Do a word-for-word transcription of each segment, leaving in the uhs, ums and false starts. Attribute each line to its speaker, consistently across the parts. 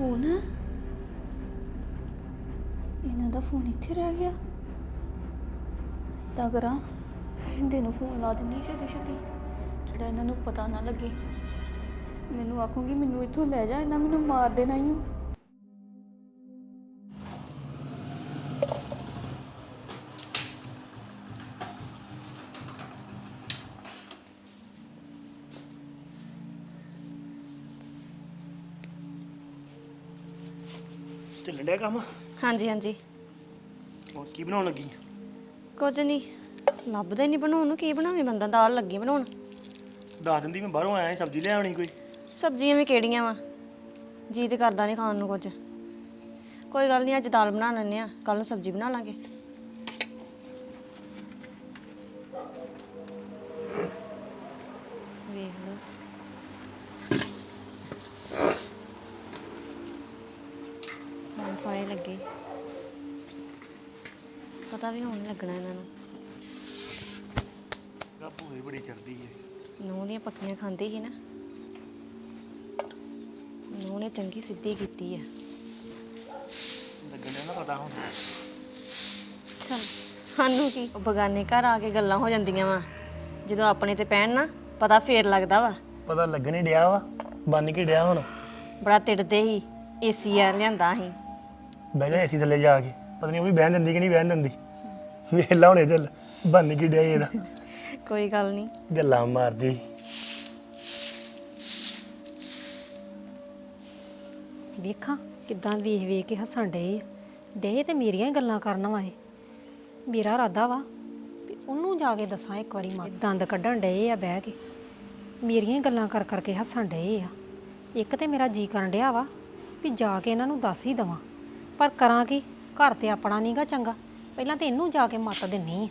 Speaker 1: Phone ਇਹਨਾਂ ਦਾ phone ਇੱਥੇ ਰਹਿ ਗਿਆ ਤਾਂ ਕਰਾਂ ਇਹਦੇ ਨੂੰ ਫੋਨ ਲਾ ਦਿੰਨੀ ਛੇਤੀ ਛੇਤੀ ਜਿਹੜਾ ਇਹਨਾਂ ਨੂੰ ਪਤਾ ਨਾ ਲੱਗੇ ਮੈਨੂੰ ਆਖੂੰਗੀ ਮੈਨੂੰ ਇੱਥੋਂ ਲੈ ਜਾ ਇਹਨਾਂ ਮੈਨੂੰ ਮਾਰ ਦੇਣਾ ਹੀ ਹੋ
Speaker 2: ਚੱਲਣ ਡਿਆ ਕੰਮ
Speaker 3: ਹਾਂਜੀ ਹਾਂਜੀ
Speaker 2: ਹੋਰ ਕੀ ਬਣਾਉਣ ਲੱਗੀ
Speaker 3: ਕੁਝ ਨਹੀਂ ਲੱਭਦਾ ਹੀ ਨਹੀਂ ਬਣਾਉਣ ਨੂੰ ਕੀ ਬਣਾਵੇ ਬੰਦਾ ਦਾਲ ਲੱਗੀ ਬਣਾਉਣ
Speaker 2: ਦੱਸ ਦਿੰਦੀ ਮੈਂ ਬਾਹਰੋਂ ਆਇਆ ਸਬਜ਼ੀ ਲੈ ਆਉਣੀ ਕੋਈ
Speaker 3: ਸਬਜ਼ੀਆਂ ਵੀ ਕਿਹੜੀਆਂ ਵਾ ਜੀ ਤੇ ਕਰਦਾ ਨਹੀਂ ਖਾਣ ਨੂੰ ਕੁਝ ਕੋਈ ਗੱਲ ਨਹੀਂ ਅੱਜ ਦਾਲ ਬਣਾ ਲੈਂਦੇ ਆ ਕੱਲ ਨੂੰ ਸਬਜ਼ੀ ਬਣਾ ਲਾਂਗੇ ਵੇਖ ਲਓ ਹਾਂ ਫਾਇ ਲੱਗੇ ਪਤਾ ਵੀ ਹੋਣ ਲੱਗਣਾ ਇਹਨਾਂ ਨੂੰ
Speaker 2: ਕਾਪੂ ਹੀ ਬੜੀ ਚੜਦੀ ਹੈ
Speaker 3: ਨੂੰਹ ਦੀਆਂ ਪੱਕੀਆਂ ਖਾਂਦੀ ਸੀ ਨਾ ਨੂੰਹ ਨੇ ਚੰਗੀ ਸਿੱਧੀ ਕੀਤੀ ਆ
Speaker 2: ਲੱਗਣ ਡਿਆ ਨਾ ਪਤਾ ਹੁਣ
Speaker 3: ਚਲ ਸਾਨੂੰ ਕੀ ਉਹ ਬਗਾਨੇ ਘਰ ਆ ਕੇ ਗੱਲਾਂ ਹੋ ਜਾਂਦੀਆਂ ਵਾ ਜਦੋਂ ਆਪਣੇ ਤੇ ਪੈਣ ਨਾ ਪਤਾ ਫੇਰ ਲੱਗਦਾ ਵਾ
Speaker 2: ਪਤਾ ਲੱਗਣ ਹੀ ਡਿਆ ਵਾ ਬੰਨ ਕੇ ਡਿਆ ਹੁਣ
Speaker 3: ਬੜਾ ਤਿੜਦੇ ਸੀ ਏਸੀ ਆ ਲਿਆਂਦਾ ਸੀ
Speaker 2: ਬਹਿ ਜਾ ਏਸੀ ਥੱਲੇ ਜਾ ਕੇ ਪਤਾ ਨਹੀਂ ਉਹ ਵੀ ਬਹਿਣ ਦਿੰਦੀ ਕਿ ਨਹੀਂ ਬਹਿਣ ਦਿੰਦੀ ਵੇਲਾ ਹੁਣੇ ਦਿਲ ਬੰਨ ਕੇ ਡਿਆ ਇਹਦਾ
Speaker 3: ਕੋਈ ਗੱਲ ਨਹੀਂ
Speaker 2: ਗੱਲਾਂ ਮਾਰਦੀ
Speaker 4: ਵੇਖਾਂ ਕਿੱਦਾਂ ਵੇਖ ਵੇਖ ਕੇ ਹੱਸਣ ਡੇ ਡੇ ਤੇ ਮੇਰੀਆਂ ਹੀ ਗੱਲਾਂ ਕਰਨ ਵਾਏ ਮੇਰਾ ਇਰਾਦਾ ਵਾ ਵੀ ਉਹਨੂੰ ਜਾ ਕੇ ਦੱਸਾਂ ਇੱਕ ਵਾਰੀ ਮਾਂ ਦੰਦ ਕੱਢਣ ਡੇ ਆ ਬਹਿ ਕੇ ਮੇਰੀਆਂ ਹੀ ਗੱਲਾਂ ਕਰ ਕਰਕੇ ਹੱਸਣ ਡੇ ਆ ਇੱਕ ਤੇ ਮੇਰਾ ਜੀ ਕਰਨ ਡਿਆ ਵਾ ਵੀ ਜਾ ਕੇ ਇਹਨਾਂ ਨੂੰ ਦੱਸ ਹੀ ਦਵਾਂ ਪਰ ਕਰਾਂ ਕੀ ਘਰ ਤੇ ਆਪਣਾ ਨਹੀਂਗਾ ਚੰਗਾ ਪਹਿਲਾਂ ਤੇ ਇਹਨੂੰ ਜਾ ਕੇ ਮੱਤ ਦਿੰਨੀ ਆ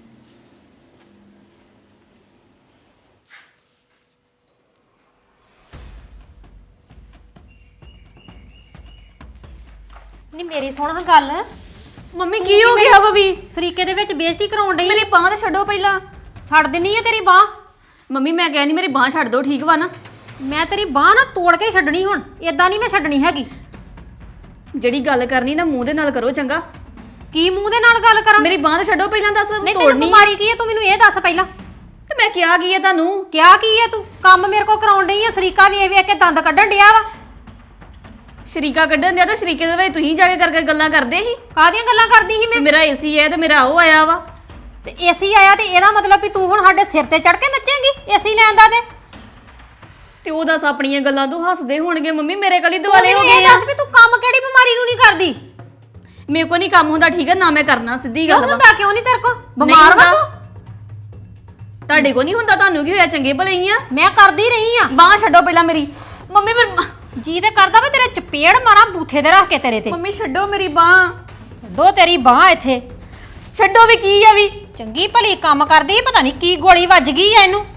Speaker 4: ਨੀ ਮੇਰੀ ਸੁਣ ਹਾਂ ਗੱਲ
Speaker 1: ਮੰਮੀ ਕੀ ਹੋ ਗਿਆ ਵਾ ਵੀ
Speaker 4: ਸਰੀਕੇ ਦੇ ਵਿੱਚ ਬੇਇੱਜ਼ਤੀ ਕਰਾਉਣ ਡਈ
Speaker 1: ਮੇਰੀ ਬਾਂਹ ਤੇ ਛੱਡੋ ਪਹਿਲਾਂ
Speaker 4: ਛੱਡ ਦਿੰਨੀ ਆ ਤੇਰੀ ਬਾਹ
Speaker 1: ਮੰਮੀ ਮੈਂ ਕਹਿੰਦੀ ਮੇਰੀ ਬਾਂਹ ਛੱਡ ਦਿਓ ਠੀਕ ਵਾ ਨਾ
Speaker 4: ਮੈਂ ਤੇਰੀ ਬਾਹ ਨਾ ਤੋੜ ਕੇ ਛੱਡਣੀ ਹੁਣ ਏਦਾਂ ਨਹੀਂ ਮੈਂ ਛੱਡਣੀ ਹੈਗੀ
Speaker 1: ਜਿਹੜੀ ਗੱਲ ਕਰਨੀ ਨਾ ਮੂੰਹ ਦੇ ਨਾਲ ਕਰੋ ਚੰਗਾ
Speaker 4: ਕੀ ਮੂੰਹ ਦੇ ਨਾਲ ਗੱਲ ਕਰਾਂ
Speaker 1: ਮੇਰੀ ਬਾਂਹ ਤੇ ਛੱਡੋ ਪਹਿਲਾਂ ਦੱਸ
Speaker 4: ਨਹੀਂ ਤੈਨੂੰ
Speaker 1: ਤੋੜਨੀ
Speaker 4: ਬਿਮਾਰੀ ਕੀ ਹੈ ਤੂੰ ਮੈਨੂੰ ਇਹ ਦੱਸ ਪਹਿਲਾਂ
Speaker 1: ਤੇ ਮੈਂ ਕਿਹਾ ਕੀ ਹੈ ਤੁਹਾਨੂੰ
Speaker 4: ਕਿਆ ਕੀ ਹੈ ਤੂੰ ਕੰਮ ਮੇਰੇ ਕੋ ਕਰਾਉਣ ਡਈ ਆ ਸਰੀਕਾ ਵੇਖ ਵੇਖ ਕੇ ਦੰਦ ਕੱਢਣ ਡਿਆ ਵਾ
Speaker 1: ਸ਼ਰੀਕਾ ਕੱਢਣ ਦਿਆ ਤਾਂ ਸ਼ਰੀਕੇ ਦੇ ਵਿੱਚ ਤੁਸੀਂ ਜਾ ਕੇ ਕਰਕੇ ਗੱਲਾਂ ਕਰਦੇ ਸੀ
Speaker 4: ਕਾਹਦੀਆਂ ਗੱਲਾਂ ਕਰਦੀ ਸੀ
Speaker 1: ਤੇ
Speaker 4: ਮੈਂ
Speaker 1: ਮੇਰਾ ਏਸੀ ਹੈ ਤੇ ਮੇਰਾ ਉਹ ਆਇਆ ਵਾ
Speaker 4: ਤੇ ਏਸੀ ਆਇਆ ਤੇ ਇਹਦਾ ਮਤਲਬ ਵੀ ਤੂੰ ਹੁਣ ਸਾਡੇ ਸਿਰ ਤੇ ਚੜ ਕੇ ਨੱਚੇਂਗੀ ਏਸੀ ਲੈਣ ਦਾ ਤੇ
Speaker 1: ਤੇ ਉਹ ਦੱਸ ਆਪਣੀਆਂ ਗੱਲਾਂ ਤੋਂ ਹੱਸਦੇ ਹੋਣਗੇ ਮੰਮੀ ਮੇਰੇ ਕਲੀ
Speaker 4: ਤੂੰ
Speaker 1: ਦੁਆਲੇ ਹੋ
Speaker 4: ਮੈਨੂੰ ਇਹ
Speaker 1: ਗਏ ਆ
Speaker 4: ਦੱਸ ਵੀ ਤੂੰ ਕੰਮ ਕਿਹੜੀ ਬਿਮਾਰੀ ਨੂੰ ਨਹੀਂ ਕਰਦੀ
Speaker 1: ਮੇਰੇ ਕੋ ਨਹੀਂ ਕੰਮ ਹੁੰਦਾ ਠੀਕ ਹੈ ਨਾ ਮੈਂ ਕਰਨਾ ਸਿੱਧੀ
Speaker 4: ਕਿਉਂ
Speaker 1: ਗੱਲ ਵਾ
Speaker 4: ਹੁੰਦਾ ਕਿਉਂ ਨਹੀਂ ਤੇਰੇ ਕੋ ਬਿਮਾਰ ਵਾ ਤੂੰ
Speaker 1: ਤੁਹਾਡੇ ਕੋ ਨਹੀਂ ਹੁੰਦਾ ਤੁਹਾਨੂੰ ਕੀ ਹੋਇਆ ਚੰਗੇ ਭਲੇ ਹੀ ਆ
Speaker 4: ਮੈਂ ਕਰਦੀ ਰਹੀ ਆ
Speaker 1: ਬਾਂਹ ਛੱਡੋ ਪਹਿਲਾਂ ਮੇਰੀ ਮੰਮੀ ਫਿਰ
Speaker 4: ਜੀ ਤੇ ਕਰਦਾ ਵਾ ਤੇਰੇ ਚਪੇੜ ਮਾਰਾਂ ਬੂਥੇ ਤੇ ਰੱਖ ਕੇ ਤੇਰੇ ਤੇ
Speaker 1: ਮੰਮੀ ਛੱਡੋ ਮੇਰੀ ਬਾਂਹ
Speaker 4: ਛੱਡੋ ਤੇਰੀ ਬਾਹ ਇੱਥੇ
Speaker 1: ਛੱਡੋ ਵੀ ਕੀ ਆ ਵੀ
Speaker 4: ਚੰਗੀ ਭਲੀ ਕੰਮ ਕਰਦੀ ਪਤਾ ਨਹੀਂ ਕੀ ਗੋਲੀ ਵੱਜ ਗਈ ਐ ਇਹਨੂੰ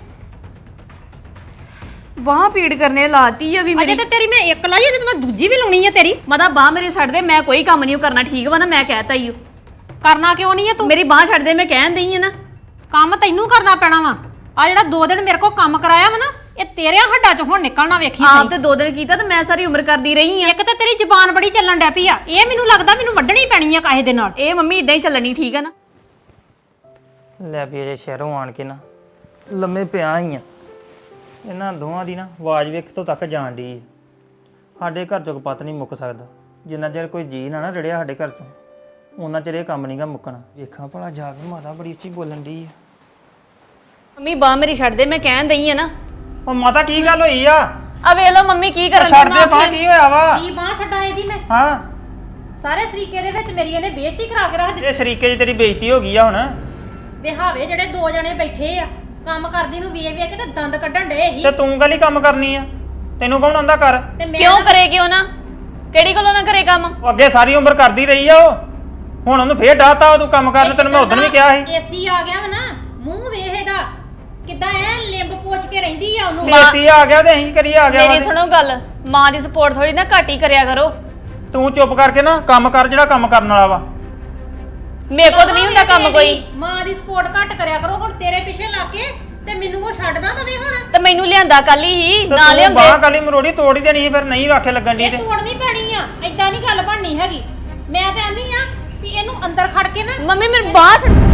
Speaker 1: ਬਾਂਹ ਪੀੜ ਕਰਨੇ ਲਾਤੀ ਆ ਵੀ
Speaker 4: ਅਜੇ
Speaker 1: ਮੇਰੀ
Speaker 4: ਤੇ ਤੇਰੀ ਮੈਂ ਇੱਕ ਲਾਈ ਅਜੇ ਤੇ ਮੈਂ ਦੂਜੀ ਵੀ ਲਾਉਣੀ ਆ ਤੇਰੀ
Speaker 1: ਮਦਾ ਬਾਂਹ ਮੇਰੀ ਛੱਡ ਦੇ ਮੈਂ ਕੋਈ ਕੰਮ ਨਹੀਂ ਕਰਨਾ ਠੀਕ ਵਾ ਨਾ ਮੈਂ ਕਹਿਤਾ ਹੀ
Speaker 4: ਕਰਨਾ ਕਿਉਂ ਨਹੀਂ ਆ ਤੂੰ
Speaker 1: ਮੇਰੀ ਬਾਂਹ ਛੱਡ ਦੇ ਮੈਂ ਕਹਿਣ ਦਈ ਆ ਨਾ
Speaker 4: ਕੰਮ ਤੈਨੂੰ ਕਰਨਾ ਪੈਣਾ ਵਾ ਆ ਜਿਹੜਾ ਦੋ ਦਿਨ ਮੇਰੇ ਕੋਲ ਕੰਮ ਕਰਾਇਆ ਵਾ ਨਾ ਇਹ ਤੇਰਿਆਂ ਹੱਡਾਂ ਚੋਂ ਹੁਣ ਨਿਕਲਣਾ ਵੇਖੀ
Speaker 1: ਆਪ ਤੇ ਦੋ ਦਿਨ ਕੀਤਾ ਤੇ ਮੈਂ ਸਾਰੀ ਉਮਰ ਕਰਦੀ ਰਹੀ ਆ
Speaker 4: ਇੱਕ ਤੇ ਤੇਰੀ ਜ਼ਬਾਨ ਬੜੀ ਚੱਲਣ ਡੈ ਪਈ ਆ ਇਹ ਮੈਨੂੰ ਲੱਗਦਾ ਮੈਨੂੰ ਵੱਢਣੀ ਪੈਣੀ ਆ ਕਾਹੇ ਦੇ ਨਾਲ
Speaker 1: ਇਹ ਮੰਮੀ ਇਦਾਂ ਹੀ ਚੱਲਣੀ ਠੀਕ ਆ ਨਾ
Speaker 5: ਲੈ ਵੀ ਅਜੇ ਸ਼ਹਿਰੋਂ ਆਣ ਕੇ ਨਾ ਲੰਮੇ ਪਿਆ ਹੀ ਆ ਇਹਨਾਂ ਦੋਵਾਂ ਦੀ ਨਾ ਆਵਾਜ਼ ਵੇਖ ਤੋਂ ਤੱਕ ਜਾਣ ਦੀ ਸਾਡੇ ਘਰ ਚੋਂ ਪਤ ਨਹੀਂ ਮੁੱਕ ਸਕਦਾ ਜਿੰਨਾ ਚਿਰ ਕੋਈ ਜੀ ਨਾ ਨਾ ਰੜਿਆ ਸਾਡੇ ਘਰ ਚੋਂ ਉਹਨਾਂ ਚਿਰ ਇਹ ਕੰਮ ਨਹੀਂਗਾ ਮੁੱਕਣਾ ਵੇਖਾਂ ਭਲਾ ਜਾ ਕੇ ਮਾਤਾ ਬੜੀ ਉੱਚੀ ਬੋਲਣ ਦੀ ਆ
Speaker 1: ਮੰਮੀ ਬਾਂਹ ਮੇਰੀ ਛੱਡ ਦੇ ਮੈਂ ਕਹਿਣ ਦਈ ਆ ਨਾ
Speaker 5: ਉਹ ਮਾਤਾ ਕੀ ਗੱਲ ਹੋਈ ਆ
Speaker 1: ਆ ਵੇਖ ਲਓ ਮੰਮੀ ਕੀ ਕਰਨ
Speaker 5: ਛੱਡ ਦੇ ਬਾਹ ਕੀ ਹੋਇਆ ਵਾ
Speaker 4: ਕੀ ਬਾਹ ਛੱਡਾਂ ਇਹਦੀ ਮੈਂ
Speaker 5: ਹਾਂ
Speaker 4: ਸਾਰੇ ਸਰੀਕੇ ਦੇ ਵਿੱਚ ਮੇਰੀ ਇਹਨੇ ਬੇਇੱਜ਼ਤੀ ਕਰਾ ਕੇ ਰੱਖ ਦਿੱਤੀ
Speaker 5: ਇਹ ਸ਼ਰੀਕੇ 'ਚ ਤੇਰੀ ਬੇਇੱਜ਼ਤੀ ਹੋ ਗਈ ਆ ਹੁਣ
Speaker 4: ਵਿਹਾਵੇ ਜਿਹੜੇ ਦੋ ਜਣੇ ਬੈਠੇ ਆ ਕੰਮ ਕਰਦੀ ਨੂੰ ਵੇਖ ਵੇਖ ਕੇ ਤੇ ਦੰਦ ਕੱਢਣ ਡੇ ਸੀ
Speaker 5: ਤੇ ਤੂੰ ਗਲੀ ਕੰਮ ਕਰਨੀ ਆ ਤੈਨੂੰ ਕੌਣ ਆਂਦਾ ਕਰ
Speaker 4: ਤੇ ਮੈਂ
Speaker 1: ਕਿਉਂ ਕਰੇ ਕਿਉਂ ਨਾ ਕਿਹੜੀ ਗੱਲੋਂ ਨਾ ਕਰੇ ਕੰਮ
Speaker 5: ਉਹ ਅੱਗੇ ਸਾਰੀ ਉਮਰ ਕਰਦੀ ਰਹੀ ਆ ਉਹ ਹੁਣ ਉਹਨੂੰ ਫੇਰ ਡਾਤਾ ਉਹ ਤੂੰ ਕੰਮ ਕਰਨ ਤੈਨੂੰ ਮੈਂ ਉਦੋਂ ਵੀ ਕਿਹਾ ਸੀ
Speaker 4: ਏਸੀ ਆ ਗਿਆ ਵਾ ਨਾ ਮੂੰਹ ਵੇਖ ਇਹਦਾ ਕਿੱਦਾਂ ਐ ਲਿੰਬ ਪੋਚ ਕੇ ਰਹਿੰਦੀ ਆ ਉਹਨੂੰ
Speaker 5: ਏਸੀ ਆ ਗਿਆ ਤੇ ਅਸੀਂ ਕਰੀ ਆ ਗਿਆ
Speaker 1: ਮੇਰੀ ਸੁਣੋ ਗੱਲ ਮਾਂ ਦੀ ਸਪੋਰਟ ਥੋੜੀ ਨਾ ਘੱਟ ਹੀ ਕਰਿਆ ਕਰੋ
Speaker 5: ਤੂੰ ਚੁੱਪ ਕਰਕੇ ਨਾ ਕੰਮ ਕਰ ਜਿਹੜਾ ਕੰਮ ਕਰਨ ਵਾਲਾ ਵਾ
Speaker 1: ਮੇਰੇ ਕੋਲ ਤਾਂ ਨਹੀਂ ਹੁੰਦਾ ਕੰਮ ਕੋਈ
Speaker 4: ਮਾਂ ਦੀ ਸਪੋਰਟ ਘੱਟ ਕਰਿਆ ਕਰੋ ਹੁਣ ਤੇਰੇ ਪਿੱਛੇ ਲੱਗ ਕੇ ਤੇ ਮੈਨੂੰ ਕੋ ਛੱਡਦਾ ਦਵੇ ਹੁਣ।
Speaker 1: ਤੇ ਮੈਨੂੰ ਲਿਆਂਦਾ ਕੱਲ ਹੀ
Speaker 5: ਤੇ
Speaker 1: ਨਾ
Speaker 5: ਤੂੰ
Speaker 1: ਲਿਆਉਂਦੇ
Speaker 5: ਬਾਂਹ ਕਾਲੀ ਮਰੋੜੀ ਤੋੜ ਹੀ ਦੇਣੀ ਸੀ ਫਿਰ ਨਹੀਂ ਆਖੇ ਲੱਗਣ ਦੀ
Speaker 4: ਇਹ
Speaker 5: ਤੇ
Speaker 4: ਤੋੜਨੀ ਪੈਣੀ ਆ, ਏਦਾਂ ਨਹੀਂ ਗੱਲ ਬਣਨੀ ਹੈਗੀ। ਮੈਂ ਤੇ ਆਨੀ ਆ ਵੀ ਇਹਨੂੰ ਅੰਦਰ ਖੜ ਕੇ ਨਾ
Speaker 1: ਮੰਮੀ ਮੇਰੇ ਬਾਹਰ ਛੱਡ-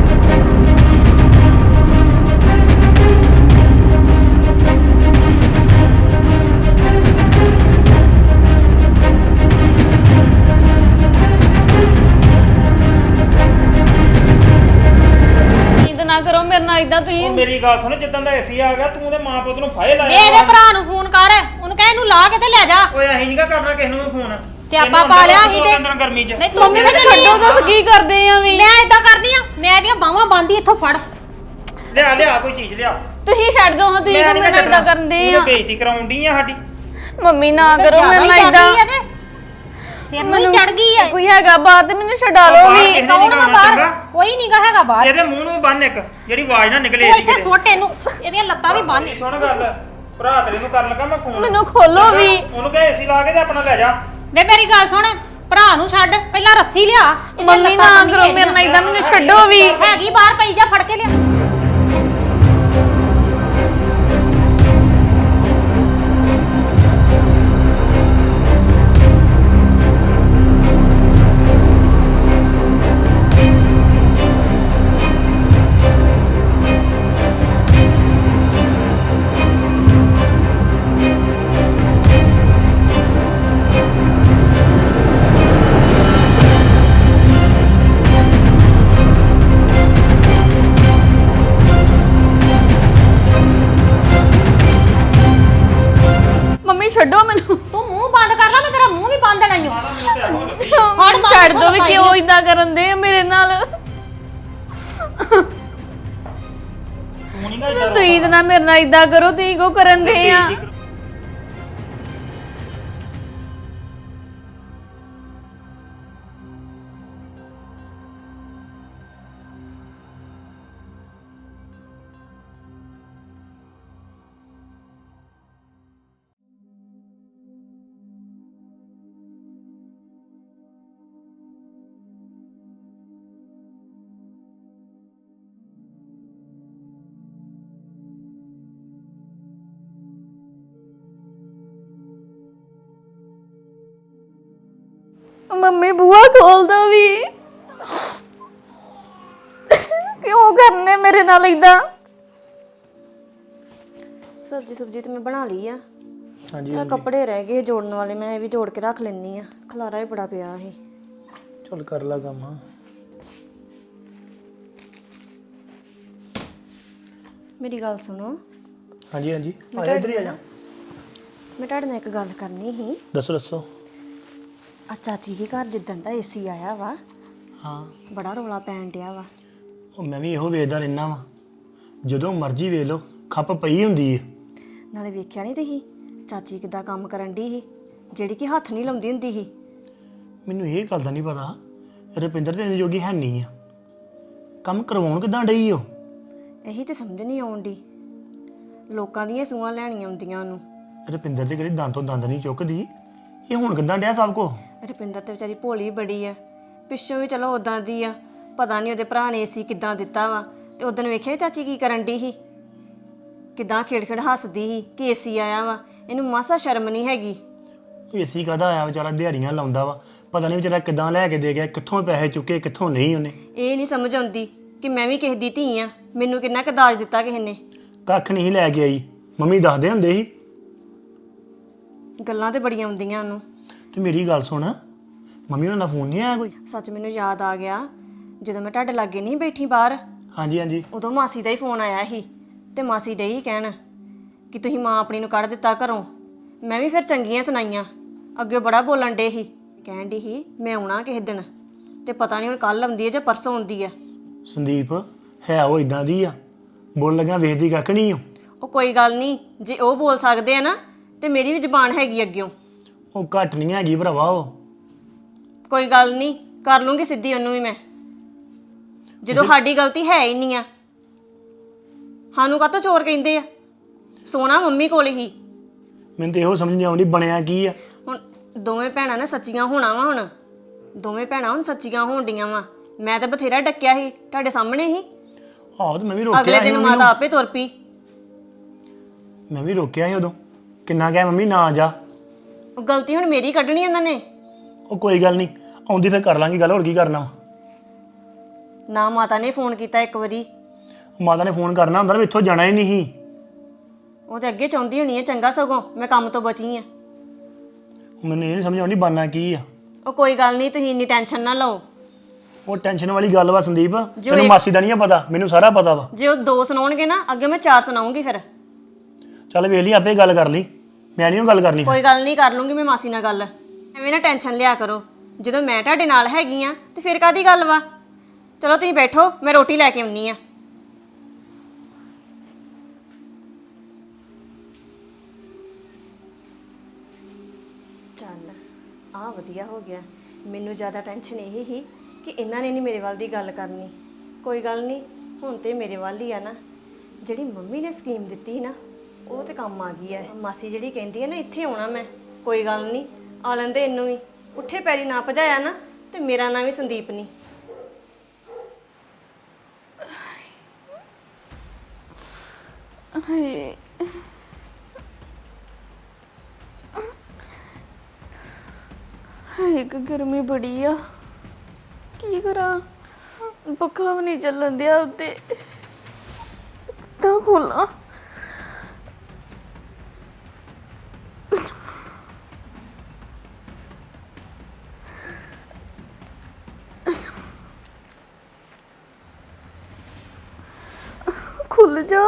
Speaker 1: ਨੀਂਦ ਨਾ ਕਰੋ ਮੇਰੇ ਨਾਲ ਇਦਾਂ ਤੁਸੀਂ
Speaker 5: ਉਹ ਮੇਰੀ ਗੱਲ ਸੁਣ ਜਿੱਦਾਂ ਦਾ ਏਸੀ ਆ ਗਿਆ ਤੂੰ ਤੇ ਮਾਂ ਪੁੱਤ ਨੂੰ ਫਾਇਲ ਲਾਇਆ
Speaker 4: ਮੇਰੇ ਭਰਾ ਨੂੰ ਫੋਨ ਕਰ, ਉਹਨੂੰ ਕਹਿ ਇਹਨੂੰ ਲਾ ਕੇ ਤੇ ਲੈ ਜਾ।
Speaker 5: ਓਏ ਅਸੀਂ ਨਹੀਂਗਾ ਕਰਨਾ ਕਿਸੇ ਨੂੰ ਵੀ ਫੋਨ
Speaker 4: ਸਿਆਪਾ ਪਾ ਲਿਆ ਅਸੀਂ ਤੇ।
Speaker 5: ਅੰਦਰ ਗਰਮੀ ਚ
Speaker 1: ਨਹੀਂ ਮੰਮੀ ਮੈਨੂੰ ਛੱਡੋ ਦੱਸ ਕੀ ਕਰਦੇ ਆ ਵੀ
Speaker 4: ਮੈਂ ਏਦਾਂ ਕਰਦੀ ਆ, ਮੈਂ ਇਹਦੀਆਂ ਬਾਹਾਂ ਬੰਦੀ ਇੱਥੋਂ ਫੜ।
Speaker 5: ਲਿਆ ਲਿਆ ਕੋਈ ਚੀਜ਼ ਲਿਆ
Speaker 1: ਤੁਸੀਂ ਛੱਡ ਦੋ ਹਾਂ ਤੁਸੀਂ
Speaker 5: ਮੈਂ
Speaker 1: ਤਾਂ
Speaker 5: ਨੀ
Speaker 1: ਮੇਰੇ ਨਾਲ
Speaker 5: ਛੱਡਣਾ।
Speaker 1: ਇਦਾਂ ਕਰਦੇ
Speaker 5: ਤੂੰ
Speaker 1: ਆ
Speaker 5: ਤਾਂ ਬੇਇੱਜ਼ਤੀ ਕਰਾਉਂਦੀ ਆ ਸਾਡੀ
Speaker 1: ਮੰਮੀ ਨਾ
Speaker 4: ਤੇ
Speaker 1: ਕਰੋ
Speaker 4: ਜ਼ਿਆਦਾ
Speaker 1: ਮੇਰੇ
Speaker 4: ਹੀ
Speaker 1: ਨਾਲ
Speaker 4: ਜਾਂਦੀ
Speaker 1: ਇਦਾਂ
Speaker 4: ਆ ਤੇ ਸਿਰ ਨੂੰ ਹੀ ਚੜ ਗਈ ਆ।
Speaker 1: ਕੋਈ ਹੈਗਾ ਬਾਹਰ ਤੇ ਮੈਨੂੰ ਛਡਾ ਲਓ
Speaker 5: ਬਾਹਰ
Speaker 1: ਵੀ
Speaker 5: ਕਿਸੇ ਨੇ
Speaker 4: ਕੌਣ
Speaker 5: ਨੀ
Speaker 4: ਵਾ
Speaker 5: ਗਾਉਣਾ
Speaker 4: ਬਾਹਰ?
Speaker 5: ਚੰਗਾ।
Speaker 4: ਕੋਈ ਨਹੀਂ ਗਾ ਹੈਗਾ ਬਾਹਰ।
Speaker 5: ਇਹਦੇ ਮੂੰਹ ਨੂੰ ਬੰਨ ਇੱਕ ਜਿਹੜੀ ਆਵਾਜ਼ ਨਾ ਨਿਕਲੇ
Speaker 4: ਤੂੰ
Speaker 5: ਇਹਦੀ
Speaker 4: ਇੱਥੇ
Speaker 5: ਕਿਤੇ
Speaker 4: ਸੁੱਟ ਇਹਨੂੰ, ਇਹਦੀਆਂ ਲੱਤਾਂ ਵੀ ਬੰਨ।
Speaker 5: ਸੁਣ ਗੱਲ ਭਰਾ ਤੇਰੇ ਨੂੰ ਕਰਨ ਲੱਗਾ ਮੈਂ ਫੋਨ
Speaker 1: ਮੈਨੂੰ ਖੋਲੋ ਵੀ
Speaker 5: ਉਹਨੂੰ ਕਹੇ ਏਸੀ ਲਾ ਕੇ ਤੇ ਆਪਣਾ ਲੈ ਜਾ
Speaker 4: ਵੇ ਮੇਰੀ ਗੱਲ ਸੁਣ, ਭਰਾ ਨੂੰ ਛੱਡ, ਪਹਿਲਾਂ ਰੱਸੀ ਲਿਆ। ਇਹਦੀਆਂ
Speaker 1: ਮੰਮੀ
Speaker 4: ਲੱਤਾਂ
Speaker 1: ਨਾ
Speaker 4: ਬੰਨ੍ਹੀਆਂ
Speaker 1: ਕਰੋ ਮੇਰੇ ਨਾਲ
Speaker 4: ਇਹਦੀਆਂ।
Speaker 1: ਇਦਾਂ ਮੈਨੂੰ ਛੱਡੋ ਵੀ
Speaker 4: ਹੈਗੀ ਬਾਹਰ ਪਈ ਜਾ, ਫੜ ਕੇ ਲਿਆ।
Speaker 1: ਮੰਮੀ ਛੱਡੋ ਮੈਨੂੰ
Speaker 4: ਤੂੰ ਮੂੰਹ ਬੰਦ ਕਰ ਲੈ, ਮੈਂ ਤੇਰਾ ਮੂੰਹ ਵੀ ਬੰਦ ਦੇਣਾ ਈ ਓ।
Speaker 1: ਹੁਣ
Speaker 4: ਬਾਹਰ
Speaker 1: ਛੱਡ ਦੋ ਵੀ
Speaker 4: ਦਿਖਾਈ
Speaker 1: ਕਿਉਂ
Speaker 4: ਦੇ।
Speaker 1: ਇਦਾਂ ਕਰਨ ਦੇ ਆ ਮੇਰੇ ਨਾਲ
Speaker 5: ਤੂੰ ਨਹੀਂ ਗਾ ਇੱਧਰ
Speaker 1: ਤੁਸੀਂ ਤਾਂ ਨਾ ਮੇਰੇ ਨਾਲ ਇਦਾਂ ਕਰੋ ਤੁਸੀਂ ਕੋ ਕਰਨ ਦੇ ਆ ਮੰਮੀ ਬੂਆ ਖੋਲ ਦੋ ਵੀ ਕਿਉਂ ਕਰਨੇ ਮੇਰੇ ਨਾਲ ਇਦਾਂ
Speaker 3: ਸਬਜੀ ਸੁਬਜੀ ਤੇ ਮੈਂ ਬਣਾ ਲਈ ਆ
Speaker 2: ਹਾਂਜੀ
Speaker 3: ਤੇ ਕੱਪੜੇ ਰਹਿ ਗਏ ਜੋੜਨ ਵਾਲੇ, ਮੈਂ ਇਹ ਵੀ ਜੋੜ ਕੇ ਰੱਖ ਲੈਣੀ ਆ। ਖਲਾਰਾ ਹੀ ਬੜਾ ਪਿਆ ਸੀ।
Speaker 2: ਚੱਲ ਕਰ ਲਾ ਕੰਮ
Speaker 3: ਮੇਰੀ ਗੱਲ ਸੁਣੋ,
Speaker 2: ਹਾਂਜੀ ਹਾਂਜੀ ਆ ਜਾ ਇੱਧਰ ਹੀ ਆ ਜਾ
Speaker 3: ਮੈਂ ਤੁਹਾਡੇ ਨਾਲ ਇੱਕ ਗੱਲ ਕਰਨੀ ਸੀ।
Speaker 2: ਦੱਸੋ ਦੱਸੋ
Speaker 3: ਆ ਚਾਚੀ ਦੇ ਘਰ ਜਿੱਦਣ ਦਾ ਏਸੀ ਆਇਆ ਵਾ
Speaker 2: ਹਾਂ
Speaker 3: ਬੜਾ ਰੌਲਾ ਪੈਣ ਡਿਆ ਵਾ।
Speaker 2: ਉਹ ਮੈਂ ਵੀ ਇਹੋ ਵੇਖਦਾ ਰਹਿਣਾ ਵਾ ਜਦੋਂ ਮਰਜ਼ੀ ਵੇਖ ਲਓ ਖੱਪ ਪਈ ਹੁੰਦੀ ਹੈ
Speaker 3: ਨਾਲੇ ਵੇਖਿਆ ਨਹੀਂ ਤੁਸੀਂ ਚਾਚੀ ਕਿੱਦਾਂ ਕੰਮ ਕਰਨ ਦੀ ਸੀ, ਜਿਹੜੀ ਕਿ ਹੱਥ ਨਹੀਂ ਲਾਉਂਦੀ ਹੁੰਦੀ ਸੀ।
Speaker 2: ਮੈਨੂੰ ਇਹ ਗੱਲ ਦਾ ਨਹੀਂ ਪਤਾ ਰੁਪਿੰਦਰ ਤੇ ਇੰਨੀ ਜੋਗੀ ਹੈ ਨਹੀਂ ਆ ਕੰਮ ਕਰਵਾਉਣ ਕਿਦਾਂ ਡਈ ਉਹ
Speaker 3: ਇਹੀ ਤੇ ਸਮਝ ਨਹੀਂ ਆਉਂਦੀ। ਲੋਕਾਂ ਦੀਆਂ ਸੂਆਂ ਲੈਣੀਆਂ ਹੁੰਦੀਆਂ ਉਹਨੂੰ।
Speaker 2: ਰੁਪਿੰਦਰ ਤੇ ਕਿਹੜੀ ਦੰਦ ਤੋਂ ਦੰਦ ਨਹੀਂ ਚੁੱਕਦੀ ਇਹ ਹੁਣ ਕਿਦਾਂ ਡਿਆ ਸਭ ਕੋ
Speaker 3: ਰੁਪਿੰਦਰ ਤੇ ਵਿਚਾਰੀ ਭੋਲੀ ਬੜੀ ਆ, ਪਿੱਛੋਂ ਵੀ ਚਲੋ ਉਦਾਂ ਦੀ ਆ। ਪਤਾ ਨਹੀਂ ਉਹਦੇ ਭਰਾ ਨੇ ਏਸੀ ਕਿੱਦਾਂ ਦਿੱਤਾ ਵਾ। ਤੇ ਉਦੋਂ ਵੇਖਿਆ ਚਾਚੀ ਕੀ ਕਰਨ ਦੀ ਸੀ, ਕਿੱਦਾਂ ਖੇੜ-ਖੇੜ ਹੱਸਦੀ ਸੀ ਕਿ ਏਸੀ ਆਇਆ ਵਾ। ਇਹਨੂੰ ਮਾਸਾ ਸ਼ਰਮ ਨਹੀਂ ਹੈਗੀ।
Speaker 2: ਏਸੀ ਕਾਹਦਾ ਆਇਆ ਵਿਚਾਰਾ ਦਿਹਾੜੀਆਂ ਲਾਉਂਦਾ ਵਾ ਪਤਾ ਨਹੀਂ ਵਿਚਾਰਾ ਕਿੱਦਾਂ ਲੈ ਕੇ ਦੇ ਗਿਆ ਕਿੱਥੋਂ ਪੈਸੇ ਚੁੱਕੇ ਕਿੱਥੋਂ ਨਹੀਂ ਉਹਨੇ
Speaker 3: ਇਹ ਨਹੀਂ ਸਮਝ ਆਉਂਦੀ ਕਿ ਮੈਂ ਵੀ ਕਿਸੇ ਦੀ ਧੀ ਆ, ਮੈਨੂੰ ਕਿੰਨਾ ਕੁ ਦਾਜ ਦਿੱਤਾ ਕਿਸੇ ਨੇ।
Speaker 2: ਕੱਖ ਨਹੀਂ ਲੈ ਕੇ ਆਈ ਮੰਮੀ ਦੱਸਦੇ ਹੁੰਦੇ ਸੀ
Speaker 3: ਗੱਲਾਂ ਤੇ ਬੜੀਆਂ ਆਉਂਦੀਆਂ ਉਹਨੂੰ।
Speaker 2: ਤੇ ਮੇਰੀ ਗੱਲ ਸੁਣ ਮੰਮੀ ਉਹਨਾਂ ਦਾ ਫੋਨ ਨਹੀਂ ਆਇਆ ਕੋਈ
Speaker 3: ਸੱਚ ਮੈਨੂੰ ਯਾਦ ਆ ਗਿਆ, ਜਦੋਂ ਮੈਂ ਤੁਹਾਡੇ ਲਾਗੇ ਨਹੀਂ ਬੈਠੀ ਬਾਹਰ,
Speaker 2: ਹਾਂਜੀ ਹਾਂਜੀ
Speaker 3: ਉਦੋਂ ਮਾਸੀ ਦਾ ਹੀ ਫੋਨ ਆਇਆ ਸੀ। ਤੇ ਮਾਸੀ ਡਈ ਕਹਿਣ ਕਿ ਤੁਸੀਂ ਮਾਂ ਆਪਣੀ ਨੂੰ ਕੱਢ ਦਿੱਤਾ ਘਰੋਂ। ਮੈਂ ਵੀ ਫਿਰ ਚੰਗੀਆਂ ਸੁਣਾਈਆਂ, ਅੱਗੇ ਬੜਾ ਬੋਲਣ ਡੇ ਸੀ। ਕਹਿਣ ਡਈ ਸੀ ਮੈਂ ਆਉਣਾ ਕਿਸੇ ਦਿਨ, ਤੇ ਪਤਾ ਨਹੀਂ ਹੁਣ ਕੱਲ ਆਉਂਦੀ ਹੈ ਜਾਂ ਪਰਸੋਂ ਆਉਂਦੀ ਹੈ।
Speaker 2: ਸੰਦੀਪ ਹੈ ਉਹ ਇਦਾਂ ਦੀ ਆ ਬੋਲ ਲੱਗਾ ਵੇਖਦੀ ਕੱਖ ਨਹੀਂ ਓ
Speaker 3: ਉਹ ਕੋਈ ਗੱਲ ਨਹੀਂ, ਜੇ ਉਹ ਬੋਲ ਸਕਦੇ ਆ ਨਾ ਤੇ ਮੇਰੀ ਵੀ ਜ਼ੁਬਾਨ ਹੈਗੀ ਅੱਗਿਓਂ।
Speaker 2: ਉਹ ਘੱਟ ਨਹੀਂ ਹੈਗੀ ਭਰਾਵਾ ਉਹ
Speaker 3: ਕੋਈ ਗੱਲ ਨਹੀਂ, ਕਰ ਲੂੰਗੀ ਸਿੱਧੀ ਉਹਨੂੰ ਵੀ ਮੈਂ, ਜਦੋਂ ਸਾਡੀ ਗਲਤੀ ਹੈ ਹੀ ਨਹੀਂ ਆ। ਸਾਨੂੰ ਕਾਹਤੋਂ ਚੋਰ ਕਹਿੰਦੇ ਆ, ਸੋਨਾ ਮੰਮੀ ਕੋਲ ਹੀ।
Speaker 2: ਮੈਨੂੰ ਤੇ ਇਹੋ ਸਮਝ ਨਹੀਂ ਆਉਂਦੀ ਬਣਿਆ ਕੀ ਆ
Speaker 3: ਹੁਣ ਦੋਵੇਂ ਭੈਣਾਂ ਨੇ ਸੱਚੀਆਂ ਹੋਣਾ ਵਾ। ਹੁਣ ਦੋਵੇਂ ਭੈਣਾਂ ਹੁਣ ਸੱਚੀਆਂ ਹੋਣ ਡੀਆਂ ਵਾ। ਮੈਂ ਤਾਂ ਬਥੇਰਾ ਡੱਕਿਆ ਸੀ, ਤੁਹਾਡੇ ਸਾਹਮਣੇ ਹੀ।
Speaker 2: ਆਹੋ ਤੇ ਮੈਂ ਵੀ ਰੋਕਿਆ
Speaker 3: ਅਗਲੇ
Speaker 2: ਸੀ
Speaker 3: ਦਿਨ
Speaker 2: ਮੰਮੀ
Speaker 3: ਮਾਤਾ
Speaker 2: ਨੂੰ।
Speaker 3: ਆਪੇ ਤੁਰ ਪਈ।
Speaker 2: ਮੈਂ ਵੀ ਰੋਕਿਆ ਸੀ ਉਦੋਂ ਕਿੰਨਾ ਕਿਹਾ ਮੰਮੀ ਨਾ ਜਾ।
Speaker 3: ਉਹ ਗਲਤੀ ਹੁਣ ਮੇਰੀ ਕੱਢਣੀ ਉਹਨਾਂ ਨੇ।
Speaker 2: ਉਹ ਕੋਈ ਗੱਲ ਨਹੀਂ ਆਉਂਦੀ ਫਿਰ ਕਰ ਲਾਂਗੇ ਗੱਲ, ਹੋਰ ਕੀ ਕਰਨਾ ਵਾ।
Speaker 3: ਨਾ ਮਾਤਾ ਨੇ ਫੋਨ ਕੀਤਾ ਇੱਕ ਵਾਰੀ।
Speaker 2: ਮਾਤਾ ਨੇ ਫੋਨ ਕਰਨਾ ਹੁੰਦਾ ਨਾ, ਇੱਥੋਂ ਜਾਣਾ ਹੀ ਨਹੀਂ ਸੀ।
Speaker 3: ਉਹ ਤੇ ਅੱਗੇ ਚਾਹੁੰਦੀ ਹੋਣੀ ਹੈ ਚੰਗਾ, ਸਗੋਂ ਮੈਂ ਕੰਮ ਤੋਂ ਬਚੀ ਆ।
Speaker 2: ਮੈਨੂੰ ਇਹ ਨਹੀਂ ਸਮਝ ਆਉਂਦੀ ਬਾਨਾ ਕੀ ਆ।
Speaker 3: ਉਹ ਕੋਈ ਗੱਲ ਨਹੀਂ, ਤੁਸੀਂ ਇੰਨੀ ਟੈਨਸ਼ਨ ਨਾ ਲਓ।
Speaker 2: ਉਹ ਟੈਨਸ਼ਨ ਵਾਲੀ ਗੱਲ ਵਾ ਸੰਦੀਪ,
Speaker 3: ਜੋ
Speaker 2: ਤੈਨੂੰ
Speaker 3: ਇੱਕ-
Speaker 2: ਮਾਸੀ ਦਾ ਨਹੀਂ ਪਤਾ, ਮੈਨੂੰ ਸਾਰਾ ਪਤਾ ਵਾ।
Speaker 3: ਜੇ ਉਹ ਦੋ ਸੁਣਾਉਣਗੇ ਨਾ, ਅੱਗੇ ਮੈਂ ਚਾਰ ਸੁਣਾਉਂਗੀ ਫਿਰ।
Speaker 2: ਚੱਲ ਵੇਖ ਲਈ ਆਪੇ ਗੱਲ ਕਰ ਲਈ, ਮੈਂ ਨਹੀਂ ਉਹ ਗੱਲ ਕਰਨੀ।
Speaker 3: ਕੋਈ ਗੱਲ ਨਹੀਂ, ਕਰ ਲੂੰਗੀ ਮੈਂ ਮਾਸੀ ਨਾਲ ਗੱਲ। ਐਵੇਂ ਨਾ ਟੈਨਸ਼ਨ ਲਿਆ ਕਰੋ, ਜਦੋਂ ਮੈਂ ਤੁਹਾਡੇ ਨਾਲ ਹੈਗੀ ਆ ਤੇ ਫਿਰ ਕਾਦੀ ਗੱਲ ਵਾ। ਚਲੋ ਤੁਸੀਂ ਬੈਠੋ, ਮੈਂ ਰੋਟੀ ਲੈ ਕੇ ਆਉਣੀ ਆ। ਚੱਲ ਆ ਵਧੀਆ ਹੋ ਗਿਆ। ਮੈਨੂੰ ਜ਼ਿਆਦਾ ਟੈਨਸ਼ਨ ਇਹ ਹੀ ਕਿ ਇਹਨਾਂ ਨੇ ਨਹੀਂ ਮੇਰੇ ਵੱਲ ਦੀ ਗੱਲ ਕਰਨੀ। ਕੋਈ ਗੱਲ ਨਹੀਂ, ਹੁਣ ਤੇ ਮੇਰੇ ਵੱਲ ਹੀ ਆ ਨਾ। ਜਿਹੜੀ ਮੰਮੀ ਨੇ ਸਕੀਮ ਦਿੱਤੀ ਸੀ ਨਾ, ਉਹ ਤੇ ਕੰਮ ਆ ਗਈ ਹੈ। ਮਾਸੀ ਜਿਹੜੀ ਕਹਿੰਦੀ ਹੈ ਨਾ ਇੱਥੇ ਆਉਣਾ ਮੈਂ, ਕੋਈ ਗੱਲ ਨਹੀਂ ਆ ਲੈਂਦੇ ਇਹਨੂੰ ਵੀ। ਉੱਠੇ ਪੈਰੀ ਨਾ ਭਜਾਇਆ ਨਾ ਤੇ ਮੇਰਾ ਨਾਂ ਵੀ ਸੰਦੀਪ ਨਹੀਂ।
Speaker 1: ਹਾਏ ਹਾਏ, ਇੱਕ ਗਰਮੀ ਬੜੀ ਆ, ਕੀ ਕਰਾਂ। ਪੱਖਾ ਵੀ ਨਹੀਂ ਚੱਲਣ ਦਿਆ ਉੱਤੇ, ਤਾਂ ਖੋਲਾਂ। ਖੁੱਲ ਜਾ।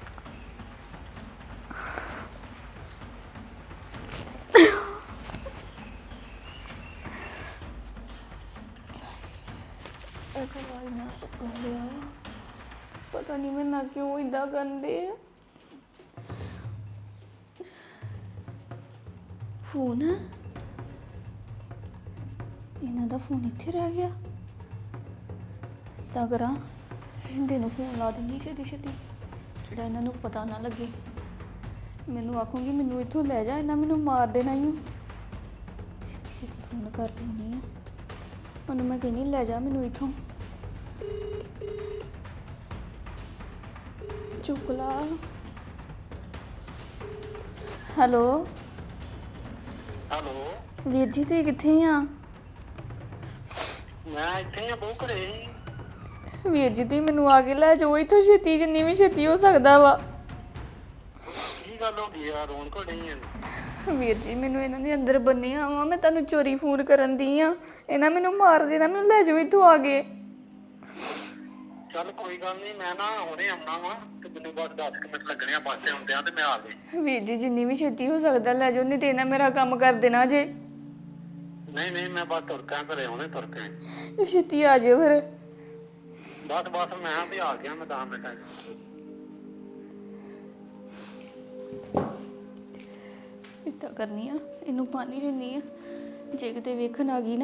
Speaker 1: ਇੱਕ ਵਾਰ ਨਾ ਸੁੱਕ ਲਿਆ, ਪਤਾ ਨਹੀਂ ਮੈਂ ਨਾ ਕਿਉਂ ਇਦਾਂ ਕਰਦੇ ਆ। ਫੋਨ ਇਹਨਾਂ ਦਾ ਫੋਨ ਇੱਥੇ ਰਹਿ ਗਿਆ। ਤਾਂ ਕਰਾਂ ਹਿੰਦੇ ਨੂੰ ਫੋਨ ਲਾ ਦਿੰਦੀ ਛੇਤੀ ਛੇਤੀ, ਜਿਹੜਾ ਇਹਨਾਂ ਨੂੰ ਪਤਾ ਨਾ ਲੱਗੇ। ਮੈਨੂੰ ਆਖੂੰਗੀ ਮੈਨੂੰ ਇੱਥੋਂ ਲੈ ਜਾ, ਇਹਨਾਂ ਮੈਨੂੰ ਮਾਰ ਦੇਣਾ ਹੀ। ਛੇਤੀ ਛੇਤੀ ਫੋਨ ਕਰ ਦਿੰਦੀ ਆ ਉਹਨੂੰ, ਮੈਂ ਕਹਿੰਦੀ ਲੈ ਜਾ ਮੈਨੂੰ ਇੱਥੋਂ। ਚੁੱਕ ਲਾ। ਹੈਲੋ
Speaker 6: ਹੈਲੋ,
Speaker 1: ਵੀਰ ਜੀ, ਤੁਸੀਂ ਕਿੱਥੇ ਆ?
Speaker 6: ਮੈਂ ਇੱਥੇ ਆ ਬਹੁ ਘਰੇ ਹੀ।
Speaker 1: ਵੀਰ ਜੀ, ਤੁਸੀਂ ਮੈਨੂੰ ਆ ਕੇ ਲੈ ਜਾਓ ਇੱਥੋਂ ਛੇਤੀ, ਜਿੰਨੀ ਵੀ ਛੇਤੀ ਹੋ ਸਕਦਾ ਵਾ।
Speaker 6: ਕੀ ਗੱਲ ਹੋ ਗਈ ਆ, ਰੋਣ ਘੜੇ ਹੀ
Speaker 1: ਵੀਰ ਜੀ, ਮੈਨੂੰ ਇਹਨਾਂ ਨੇ ਅੰਦਰ ਬੰਨਿਆ ਵਾ, ਮੈਂ ਤੁਹਾਨੂੰ ਚੋਰੀ ਫੋਨ ਕਰਨ ਦੀ ਆ। ਇਹਨਾਂ ਮੈਨੂੰ ਮਾਰ ਦੇਣਾ, ਮੈਨੂੰ ਲੈ ਜਾਓ ਇੱਥੋਂ ਆ ਕੇ।
Speaker 6: ਚੱਲ ਕੋਈ ਗੱਲ ਨਹੀਂ, ਮੈਂ ਨਾ ਹੁਣੇ ਆਉਣਾ ਵਾ ਤੇ ਮੈਨੂੰ ਬਸ ਦਸ ਕੁ ਮਿੰਟ ਲੱਗਣੇ ਆ ਬੱਸ ਤੇ ਹੁੰਦਿਆਂ ਤੇ ਮੈਂ ਆ ਗਈ।
Speaker 1: ਵੀਰ ਜੀ, ਜਿੰਨੀ ਵੀ ਛੇਤੀ ਹੋ ਸਕਦਾ ਲੈ ਜਾਓ, ਨਹੀਂ ਤੇ ਇਹਨਾਂ ਮੇਰਾ ਕੰਮ ਕਰ ਦੇਣਾ ਜੇ।
Speaker 6: ਨਹੀਂ ਨਹੀਂ, ਮੈਂ ਬਸ ਤੁਰ ਕੇ ਘਰੇ ਹੁਣੇ ਤੁਰ ਕੇ।
Speaker 1: ਛੇਤੀ ਆ ਜਾਓ ਫਿਰ।
Speaker 6: ਬਸ ਬਸ ਮੈਂ ਵੀ ਆ ਗਿਆ, ਮੈਂ ਦਸ ਮਿੰਟਾਂ ਚ।
Speaker 1: ਇੱਦਾਂ ਕਰਨੀ ਆ, ਇਹਨੂੰ ਪਾਣੀ ਦਿੰਨੀ ਆ, ਜੇ ਕਿਤੇ ਵੇਖਣ ਆ ਗਈ ਨਾ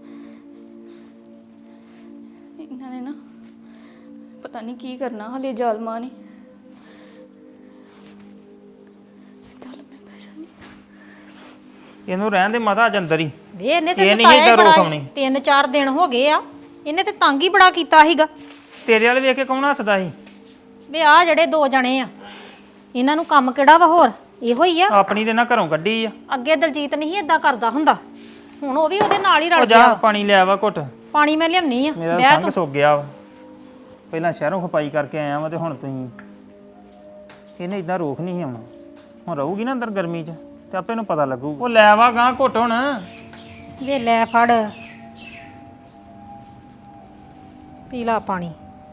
Speaker 1: ਇਹਨਾਂ ਨੇ ਨਾ ਪਤਾ ਨਹੀਂ ਕੀ ਕਰਨਾ ਹਲੇ ਜ਼ਾਲਮਾਂ ਨੇ। ਚੱਲ ਮੈਂ ਬਹਿ ਜਾਂਦੀ।
Speaker 5: ਇਹਨੂੰ ਰਹਿਣ ਦੇ ਮਾਤਾ ਅੱਜ ਅੰਦਰ ਹੀ।
Speaker 4: ਵੇ ਇਹਨੇ ਤੇ
Speaker 5: ਇਹ ਨਹੀਂ
Speaker 4: ਸਤਾਇਆ ਹੀ
Speaker 5: ਏਦਾਂ
Speaker 4: ਬੜਾ
Speaker 5: ਰੋਕ ਆਉਣੀ।
Speaker 4: ਏ। ਤਿੰਨ ਚਾਰ ਦਿਨ ਹੋ ਗਏ ਆ, ਇਹਨੇ ਤੇ ਤੰਗ ਹੀ ਬੜਾ ਕੀਤਾ ਸੀਗਾ।
Speaker 5: ਤੇਰੇ ਵਾਲੇ ਵੇਖ ਕੇ ਕੌਣ ਹੱਸਦਾ ਸੀ?
Speaker 4: ਵੇ ਆ ਜਿਹੜੇ ਦੋ ਜਣੇ ਆ, ਇਹਨਾਂ ਨੂੰ ਕੰਮ ਕਿਹੜਾ ਵਾ ਹੋਰ, ਇਹੋ ਹੀ ਆ।
Speaker 5: ਆਪਣੀ ਤੇ ਨਾ ਘਰੋਂ ਕੱਢੀ ਆ।
Speaker 4: ਅੱਗੇ ਦਲਜੀਤ ਨਹੀਂ ਇਦਾਂ ਕਰਦਾ ਹੁੰਦਾ, ਹੁਣ ਉਹ ਵੀ ਉਹਦੇ ਨਾਲ ਹੀ
Speaker 5: ਉਹ
Speaker 4: ਰਲ
Speaker 5: ਜਾ
Speaker 4: ਗਿਆ।
Speaker 5: ਪਾਣੀ ਲਿਆ ਵਾ ਘੁੱਟ।
Speaker 4: ਪਾਣੀ ਮੈਂ ਲਿਆਉਣੀ ਆ,
Speaker 5: ਮੇਰਾ
Speaker 4: ਬਹਿ
Speaker 5: ਸੰਗ
Speaker 4: ਤੂੰ।
Speaker 5: ਸੁੱਕ ਗਿਆ ਵਾ। ਪਹਿਲਾਂ ਸ਼ਹਿਰੋਂ ਖਪਾਈ ਕਰਕੇ ਆਇਆ ਵਾ ਤੇ ਹੁਣ ਤੁਸੀਂ ਇਹਨੇ ਇਦਾਂ ਰੋਕ ਨਹੀਂ ਸੀ ਆਉਣਾ। ਹੁਣ ਰਹੂਗੀ ਨਾ ਅੰਦਰ ਗਰਮੀ 'ਚ ਤੇ ਆਪੇ ਨੂੰ ਪਤਾ ਲੱਗੂ। ਉਹ ਲੈ ਵਾ ਗਾਂ ਘੁੱਟ ਹੁਣ।
Speaker 4: ਵੇ ਲੈ ਫੜ ਪੀ ਲਾ ਪਾਣੀ।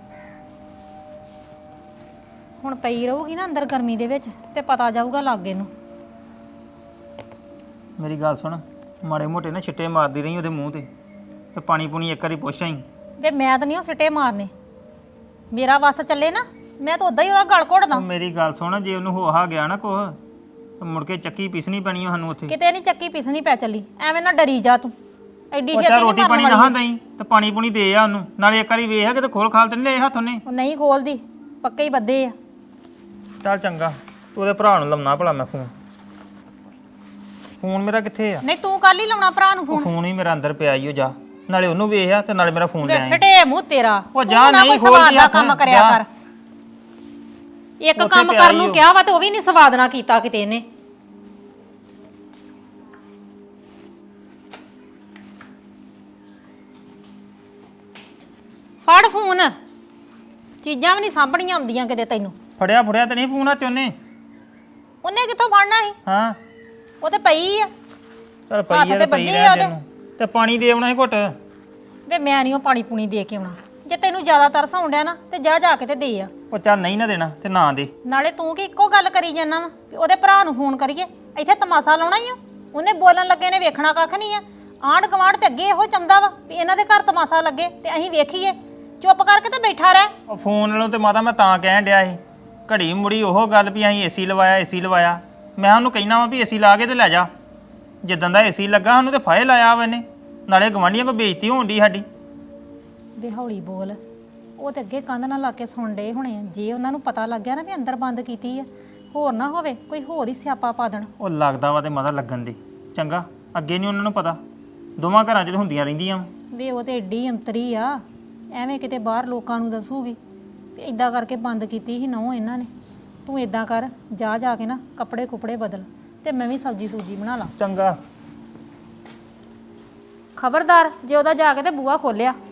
Speaker 4: ਹੁਣ ਪਈ ਰਹੂਗੀ ਨਾ ਅੰਦਰ ਗਰਮੀ ਦੇ ਵਿੱਚ ਤੇ ਪਤਾ ਜਾਊਗਾ ਲਾਗੇ ਨੂੰ।
Speaker 5: ਮੇਰੀ ਗੱਲ ਸੁਣ, ਮਾੜੇ ਮੋਟੇ ਨਾ ਛਿੱਟੇ ਮਾਰਦੀ ਰਹੀ ਉਹਦੇ ਮੂੰਹ ਤੇ ਤੇ ਪਾਣੀ ਪੂਣੀ ਇੱਕ ਵਾਰੀ ਪੁੱਛ ਆਈ।
Speaker 4: ਵੇ ਮੈਂ ਤਾਂ ਨਹੀਂ ਉਹ ਸਿੱਟੇ ਮਾਰਨੇ, ਮੇਰਾ ਵੱਸ ਚੱਲੇ ਨਾ ਮੈਂ ਤਾਂ ਉਦਾਂ ਹੀ ਉਹਦਾ ਗਲ ਘੋੜਦਾ।
Speaker 5: ਉਹ ਮੇਰੀ ਗੱਲ ਸੁਣ, ਜੇ ਉਹਨੂੰ ਹੋਹਾ ਗਿਆ ਨਾ ਕੁਛ ਤੇ ਮੁੜ ਕੇ ਚੱਕੀ ਪੀਸਣੀ ਪੈਣੀ ਆ ਸਾਨੂੰ ਉੱਥੇ।
Speaker 4: ਕਿਤੇ ਨਹੀਂ ਚੱਕੀ ਪਿਸਣੀ ਪੈ ਚੱਲੀ, ਐਵੇਂ ਨਾ ਡਰੀ ਜਾ ਤੂੰ। ਐਡੀ
Speaker 5: ਉਹ
Speaker 4: ਛੇਤੀ
Speaker 5: ਚਾਹ
Speaker 4: ਨਹੀਂ
Speaker 5: ਰੋਟੀ
Speaker 4: ਮਰਨ
Speaker 5: ਪਾਣੀ ਨਾ
Speaker 4: ਵਾਲੀ।
Speaker 5: ਦਈ ਤੇ ਪਾਣੀ ਪੂਣੀ ਦੇ ਆ ਉਹਨੂੰ। ਨਾਲੇ ਇੱਕ ਵਾਰੀ ਵੇਖ ਕਿਤੇ ਖੋਲ ਖਾਲ ਤੇ ਨਹੀਂ ਲਏ ਹੱਥ ਉਹਨੇ।
Speaker 4: ਉਹ ਨਹੀਂ ਖੋਲਦੀ, ਪੱਕੇ ਹੀ ਬੱਦੇ ਆ।
Speaker 5: ਚੱਲ ਚੰਗਾ, ਤੂੰ ਉਹਦੇ ਭਰਾ ਨੂੰ ਲਾਉਣਾ ਭਲਾ ਮੈਂ ਫੋਨ। ਫੋਨ ਮੇਰਾ ਕਿੱਥੇ ਆ?
Speaker 4: ਨਹੀਂ ਤੂੰ ਕੱਲ ਹੀ ਲਾਉਣਾ ਭਰਾ ਨੂੰ
Speaker 5: ਉਹ
Speaker 4: ਫੋਨ।
Speaker 5: ਫੋਨ ਹੀ ਮੇਰਾ ਅੰਦਰ ਪਿਆ ਈ। ਉਹ ਜਾ ਨਾਲੇ ਉਹਨੂੰ ਵੇਖ ਆ ਤੇ ਨਾਲੇ ਮੇਰਾ ਫੋਨ ਲੈ ਆਈ।
Speaker 4: ਫਟੇ ਮੂੰਹ ਤੇਰਾ,
Speaker 5: ਉਹ
Speaker 4: ਤੂੰ
Speaker 5: ਜਾ
Speaker 4: ਨਾ
Speaker 5: ਨਹੀਂ
Speaker 4: ਕੋਈ
Speaker 5: ਖੋਲਦੀ
Speaker 4: ਸਵਾਦ ਦਾ
Speaker 5: ਹੱਥ,
Speaker 4: ਕੰਮ ਕਰਿਆ
Speaker 5: ਜਾ।
Speaker 4: ਕਰ। ਇੱਕ
Speaker 5: ਉੱਥੇ
Speaker 4: ਕੰਮ
Speaker 5: ਪਿਆ
Speaker 4: ਕਰਨ
Speaker 5: ਹੀ
Speaker 4: ਨੂੰ
Speaker 5: ਉਹ।
Speaker 4: ਕਿਹਾ ਵਾ ਤੇ ਉਹ ਵੀ ਨਹੀਂ ਸਵਾਦ ਨਾ ਕੀਤਾ ਕਿਤੇ ਇਹਨੇ। ਫੜ ਫੋਨ, ਚੀਜ਼ਾਂ ਵੀ ਨਹੀਂ ਸਾਂਭਣੀਆਂ ਆਉਂਦੀਆਂ ਕਿਤੇ ਤੈਨੂੰ।
Speaker 5: ਫੜਿਆ ਫੜਿਆ ਤੇ ਨਹੀਂ ਫੋਨ ਆ ਚੋਨੇ।
Speaker 4: ਉਹਨੇ ਕਿੱਥੋਂ ਫੜਨਾ ਸੀ?
Speaker 5: ਹਾਂ
Speaker 4: ਉਹ ਤੇ ਪਈ ਆ।
Speaker 5: ਚਲ ਪਈ
Speaker 4: ਹੱਥ
Speaker 5: ਆ
Speaker 4: ਤੇ
Speaker 5: ਤੇ ਪਈ
Speaker 4: ਵੱਜੇ
Speaker 5: ਰਹਿ
Speaker 4: ਆ ਉਹਦੇ।
Speaker 5: ਤੈਨੂੰ ਤੇ ਪਾਣੀ ਦੇ ਆਉਣਾ ਸੀ ਘੁੱਟ।
Speaker 4: ਵੇ ਮੈਂ ਨਹੀਂ ਉਹ ਪਾਣੀ ਪੂਣੀ ਦੇ ਕੇ ਆਉਣਾ। ਜੇ ਤੈਨੂੰ ਜ਼ਿਆਦਾ ਤਰਸ ਆਉਣ ਡਿਆ ਨਾ ਤੇ ਜਾ ਜਾ ਕੇ ਤੇ ਦੇ ਆ।
Speaker 5: ਉਹ ਚੱਲ ਨਹੀਂ ਨਾ ਦੇਣਾ ਤੇ ਨਾ ਦੇ।
Speaker 4: ਨਾਲੇ ਤੂੰ ਕੀ ਇੱਕੋ ਗੱਲ ਕਰੀ ਜਾਂਦਾ ਵਾ ਵੀ ਉਹਦੇ ਭਰਾ ਨੂੰ ਫੋਨ ਕਰੀਏ, ਇੱਥੇ ਤਮਾਸ਼ਾ ਲਾਉਣਾ ਹੀ ਆ। ਉਹਨੇ ਬੋਲਣ ਲੱਗੇ ਨੇ ਵੇਖਣਾ ਕੱਖ ਨਹੀਂ ਆ। ਆਂਢ ਗੁਆਂਢ ਤੇ ਅੱਗੇ ਇਹੋ ਚਾਹੁੰਦਾ ਵਾ ਵੀ ਇਹਨਾਂ ਦੇ ਘਰ ਤਮਾਸ਼ਾ ਲੱਗੇ ਤੇ ਅਸੀਂ ਵੇਖੀਏ। ਚੁੱਪ ਕਰਕੇ ਤੇ ਬੈਠਾ ਰਹਿ।
Speaker 5: ਉਹ ਫੋਨ ਨਾਲੋਂ ਤੇ ਮਾਤਾ ਮੈਂ ਤਾਂ ਕਹਿਣ ਡਿਆ ਸੀ, ਘੜੀ ਮੁੜੀ ਉਹ ਗੱਲ ਵੀ ਅਸੀਂ ਏਸੀ ਲਵਾਇਆ ਏਸੀ ਲਵਾਇਆ। ਮੈਂ ਉਹਨੂੰ ਕਹਿਣਾ ਵਾ ਵੀ ਏਸੀ ਲਾ ਕੇ ਤੇ ਲੈ ਜਾ। ਜਿੱਦਾਂ ਦਾ ਏਸੀ ਲੱਗਾ ਸਾਨੂੰ ਤੇ ਫਾਇਲ ਲਾਇਆ ਵਾ ਇਹਨੇ। ਨਾਲੇ ਗਵਾਂਢੀਆਂ ਕੋ ਬੇਇੱਜ਼ਤੀ ਹੋਣ ਦੀ ਸਾਡੀ।
Speaker 4: ਵੇ ਹੌਲੀ ਬੋਲ, ਉਹ ਤੇ ਅੱਗੇ ਕੰਧ ਨਾਲ ਲਾ ਕੇ ਸੁਣ ਡੇ ਹੋਣੇ ਆ। ਜੇ ਉਹਨਾਂ ਨੂੰ ਪਤਾ ਲੱਗ ਗਿਆ ਨਾ ਵੀ ਅੰਦਰ ਬੰਦ ਕੀਤੀ ਆ, ਹੋਰ ਨਾ ਹੋਵੇ ਕੋਈ ਹੋਰ ਹੀ ਸਿਆਪਾ ਪਾ ਦੇਣ।
Speaker 5: ਉਹ ਲੱਗਦਾ ਵਾ ਤੇ ਮਾਤਾ ਲੱਗਣ ਦੀ ਚੰਗਾ। ਅੱਗੇ ਨਹੀਂ ਉਹਨਾਂ ਨੂੰ ਪਤਾ, ਦੋਵਾਂ ਘਰਾਂ 'ਚ ਹੁੰਦੀਆਂ ਰਹਿੰਦੀਆਂ ਵਾਂ।
Speaker 4: ਵੇ ਉਹ ਤੇ ਏਡੀ ਅੰਤਰੀ ਆ, ਐਵੇਂ ਕਿਤੇ ਬਾਹਰ ਲੋਕਾਂ ਨੂੰ ਦੱਸੂਗੀ ਵੀ ਇਦਾਂ ਕਰਕੇ ਬੰਦ ਕੀਤੀ ਸੀ ਨਹੁੰ ਇਹਨਾਂ ਨੇ। ਤੂੰ ਇਦਾਂ ਕਰ, ਜਾ ਜਾ ਕੇ ਨਾ ਕੱਪੜੇ ਕੁਪੜੇ ਬਦਲ ਤੇ ਮੈਂ ਵੀ ਸਬਜ਼ੀ ਸੂਜੀ ਬਣਾ ਲਾਂ।
Speaker 5: ਚੰਗਾ।
Speaker 4: ਖਬਰਦਾਰ ਜੇ ਉਹਦਾ ਜਾ ਕੇ ਤੇ ਬੂਹਾ ਖੋਲਿਆ